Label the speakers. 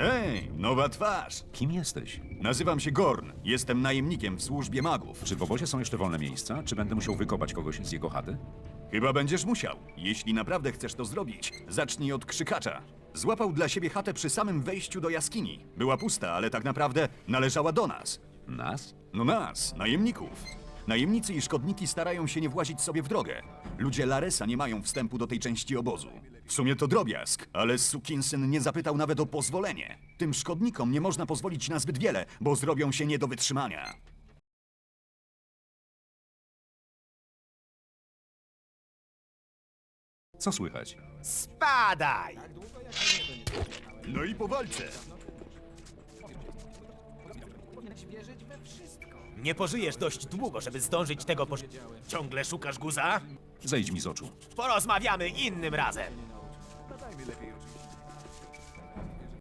Speaker 1: Hej, nowa twarz.
Speaker 2: Kim jesteś?
Speaker 1: Nazywam się Gorn. Jestem najemnikiem w służbie magów.
Speaker 2: Czy w obozie są jeszcze wolne miejsca? Czy będę musiał wykopać kogoś z jego chaty?
Speaker 1: Chyba będziesz musiał. Jeśli naprawdę chcesz to zrobić, zacznij od krzykacza. Złapał dla siebie chatę przy samym wejściu do jaskini. Była pusta, ale tak naprawdę należała do nas.
Speaker 2: Nas?
Speaker 1: No nas, najemników. Najemnicy i szkodniki starają się nie włazić sobie w drogę. Ludzie Laresa nie mają wstępu do tej części obozu. W sumie to drobiazg, ale sukinsyn nie zapytał nawet o pozwolenie. Tym szkodnikom nie można pozwolić na zbyt wiele, bo zrobią się nie do wytrzymania.
Speaker 2: Co słychać?
Speaker 3: Spadaj!
Speaker 1: No i po walce.
Speaker 3: Nie pożyjesz dość długo, żeby zdążyć tego Ciągle szukasz guza?
Speaker 2: Zejdź mi z oczu.
Speaker 3: Porozmawiamy innym razem.